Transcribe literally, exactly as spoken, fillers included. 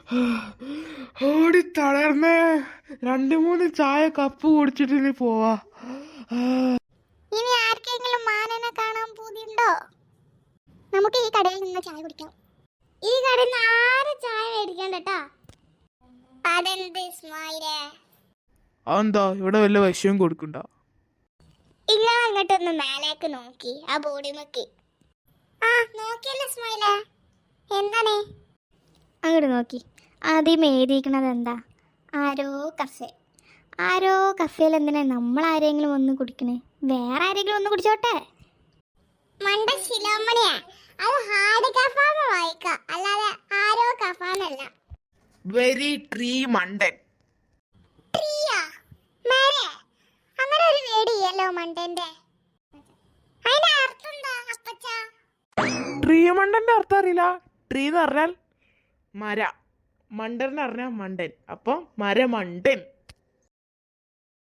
ഓടി തളർന്നേ. രണ്ടു മൂന്ന് ചായ കപ്പ് കുടിച്ചിട്ട് ഇനി പോവാ. ഇനി ആർക്കെങ്കിലും മാനനെ കാണാൻ പൂതിയുണ്ടോ? നമുക്ക് ഈ കടയിൽ നിന്ന് ചായ കുടിക്കാം. ഈ കടയിൽ നിന്ന് ആരും ചായ മേടിക്കണ്ട കേട്ടാ. അതെന്ത് ഇസ്മായിലേ? അതെന്താ ഇവിടെ വല്ല വിഷയം കൊടുക്കണ്ട? ഇങ്ങളെ അങ്ങോട്ടൊന്ന് മേലേക്ക് നോക്കി ആ ബോഡി നോക്കി. ആ നോക്കിയല്ലേ ഇസ്മായിലേ? എന്താണ് അങ്ങോട്ട് നോക്കി? ആദ്യം എഴുതിയിരിക്കണത് എന്താ? ആരോ കഫേ. ആരോ കഫേയിൽ എന്തിനാ നമ്മൾ ആരെങ്കിലും ഒന്ന് കുടിക്കണേ? വേറെ ആരെങ്കിലും ഒന്ന് കുടിച്ചോട്ടെ. മണ്ട ശിലോമണിയാ, അത് ഹാർഡ് കഫാന്ന് വായിക്കാം, അല്ലാതെ ആരോ കഫാന്നല്ല. വെരി ട്രീ മണ്ടൻ. ട്രീയാ? മേരെ അങ്ങനെ ഒരു വേടിയല്ലോ മണ്ടന്റെ. അതിന്റെ അർത്ഥം എന്താ അപ്പച്ച? ട്രീ മണ്ടന്റെ അർത്ഥം അറിയില്ല? ട്രീ എന്ന് പറഞ്ഞാൽ മര, മണ്ടൻ എന്ന് പറഞ്ഞാൽ മണ്ടൻ, അപ്പം മരമണ്ടൻ.